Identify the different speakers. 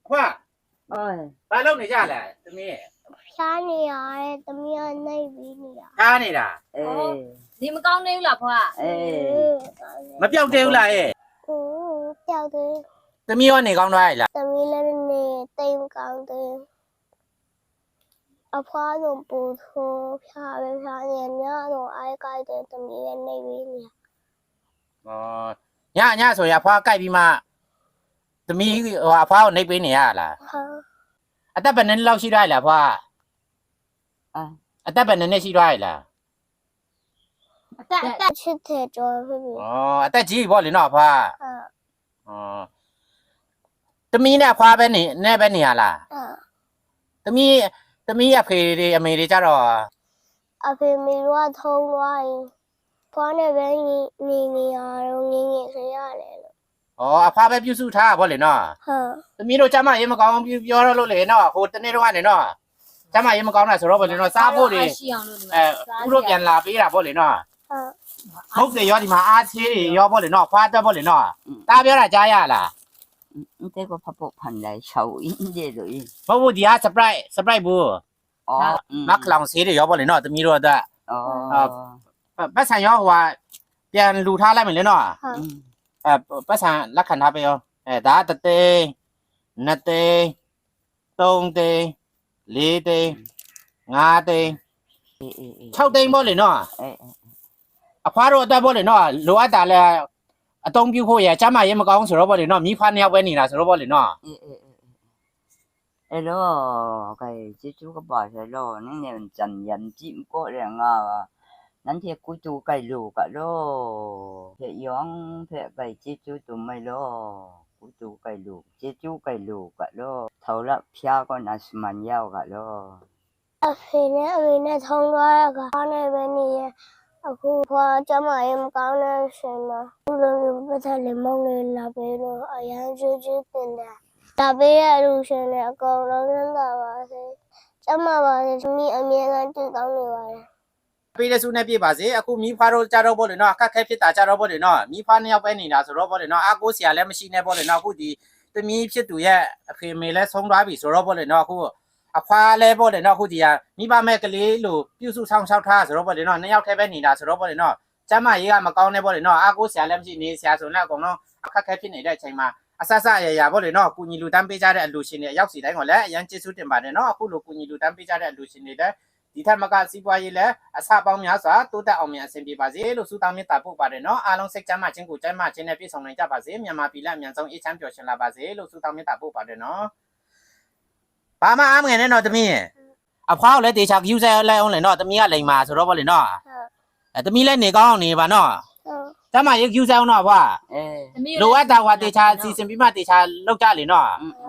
Speaker 1: 花，
Speaker 2: 哎，
Speaker 1: 把老你家来，怎么？
Speaker 3: 啥你啊？怎么样？那比你啊？
Speaker 1: 干你啦？
Speaker 2: 哎，
Speaker 4: 你们讲那个老婆啊？
Speaker 2: 哎，
Speaker 1: 没标丢啦哎，
Speaker 3: 掉的，
Speaker 1: 怎么样你讲来啦？
Speaker 3: 怎么了呢？对讲的，阿婆都不错，漂亮漂亮，伢都爱干的，怎么样？那比你？
Speaker 1: 哦，伢说呀，花改变嘛？怎么话花那边你啊啦？
Speaker 3: 好，
Speaker 1: 啊，但本人老西来了花，
Speaker 2: 啊，
Speaker 1: 啊，但本人那西来了。
Speaker 3: 但去铁桌是不？
Speaker 1: 哦，但几波人老花。
Speaker 3: 嗯
Speaker 1: 哦，怎么呢？花边你那边你啊啦？
Speaker 3: 嗯，
Speaker 1: 怎么也陪的没的家了？
Speaker 3: 阿婆没话通话，婆那边你啊，你谁下来了？
Speaker 1: 哦，花边表叔他波人喏。
Speaker 3: 嗯。
Speaker 1: သမီးတို့ကျမရေမကောင်းပြောရလို့လေနော်ဟိုတနေ့တော့ကနေနော်ကျမရေမကောင်းတာဆိုတော့ဗောလေနော်စားဖို့တွေ
Speaker 4: ရှိအောင်လို့ဒီမှာ
Speaker 1: ဥတို့ပြန်လာပေးတာဗောလေနော်ဟုတ်တယ်ရောဒီမှာအားသေးတွေရောဗောလေနော်ဖွားတက်ဗောလေနော်တားပြောတာကြားရလား
Speaker 2: 这个怕不盘来手印这种，
Speaker 1: မဟုတ်ဘူးဒီဟာ surprise ဘူး
Speaker 2: 哦，
Speaker 1: မခလောင်ဆေးတွေရောဗောလေနော်သမီးတို့အတွက်
Speaker 2: 哦，
Speaker 1: ပတ်ဆံရောဟိုဟာပြန်လူထားလိုက်မယ်လေနော်
Speaker 2: 嗯，
Speaker 1: ပတ်ဆံလက်ခံထားပေးရောဒါတသိန်းနှစ်သိန်းသုံးသိန်းလေးသိန်းငါးသိန်း
Speaker 2: 哎哎哎，
Speaker 1: 6သိန်းဗောလေနော်
Speaker 2: 哎，
Speaker 1: အဖွားတို့အတက်ပေါ့လေနော်လိုအပ်တာလဲအတုံးပြုဖို့ရကျမရေမကောင်းဆိုတော့ပေါ့လေနော်မိဖနှစ်ယောက်ပဲနေတာဆိုတော့ပေါ့လေနော်
Speaker 2: 哎哎哎，哎咯，cái chỉ chú cái bà sẽ lo, nên là chân nhân chim có rằng à, nên thì cuối chú cái lù cả lo, thì yong thì cái chỉ chú tụi mày lo, cuối chú cái lù, chỉ chú cái lù cả lo, thầu là pia con là mình nhau cả lo.
Speaker 3: အဖေနဲ့အမေနဲ့ထုံးသွားရကအားနဲ့ပဲနေရအခုဖွာကျမရေမကောင်းတဲ့ရှင်မှာဘုလိုမျိုးပတ်သက်လေမောင်းလေလာပေးလို့အရန်ကျွတ်ကျွတ်တင်တယ်ဒါပေးရလူရှင်နဲ့အကုန်လုံးရမ်းသာပါစေကျမပါစေသမီးအမြဲတမ်းတည်တောင်းနေပါတယ်
Speaker 1: ပေးတဲ့စုနဲ့ပြပါစေအခုမိဖတို့ကြတော့ပေါ့လေနော်အခက်ခဲဖြစ်တာကြတော့ပေါ့လေနော်မိဖနှစ်ယောက်ပဲနေတာဆိုတော့ပေါ့လေနော်အားကိုးစရာလည်းမရှိနဲ့ပေါ့လေနော်အခုဒီသမီးဖြစ်သူရဲ့အဖေမေလည်းဆုံးသွားပြီဆိုတော့ပေါ့လေနော်အခုအဖွားလဲပေါ့လေနော်အခုဒီကမိဘမဲ့ကလေးလို့ပြုစုဆောင်ရှောက်ထားဆိုတော့ပေါ့လေနော်နှစ်ယောက်တည်းပဲနေတာဆိုတော့ပေါ့လေနော်ကျမရေးကမကောင်းနေပေါ့လေနော်အားကိုးစရာလည်းမရှိနေစရာဆိုတော့အကုန်လုံးအခက်ခဲဖြစ်နေတဲ့အချိန်မှာအဆဆအရာပေါ့လေနော်ကုညီလူတန်းပေးကြတဲ့အလူရှင်တွေအရောက်စီတိုင်းကိုလည်းအရန်ကျေးဇူးတင်ပါတယ်နော်အခုလိုကုညီလူတန်းပေးကြတဲ့အလူရှင်တွေလည်းဒီထက်မကစီးပွားရေးလည်းအဆပေါင်းများစွာတိုးတက်အောင်မြန်အဆင်ပြေပါစေလို့ဆုတောင်းမေတ္တာပို့ပါတယ်နော်အားလုံးစိတ်ချမ်းသာခြင်းကိုကျမ်းမာခြင်းနဲ့ပြည့်စုံနိုင်ကြပါစေမြန်မာပြည်လက်အမြန်ဆုံးအေးချမ်းပျော်ရွှင်လာပါစေလို့ဆုတောင်းမေတ္တာပို့ပါတယ်နော်ဘာမှအားမငယ်နဲ့တော့သမီးအဖွားကိုလည်းတေချာယူဆလိုက်အောင်လေနော်သမီးကလိန်မာဆိုတော့ဗောလေနော်သမီးလည်းနေကောင်းအောင်နေပါနော်ကျမရေယူဆအောင်တော့အဖွား
Speaker 2: 哎，
Speaker 4: သမီး
Speaker 1: လိုအပ်တာဟွာတေချာစီစဉ်ပြီးမှတေချာလောက်ကြလေနော်
Speaker 2: 嗯嗯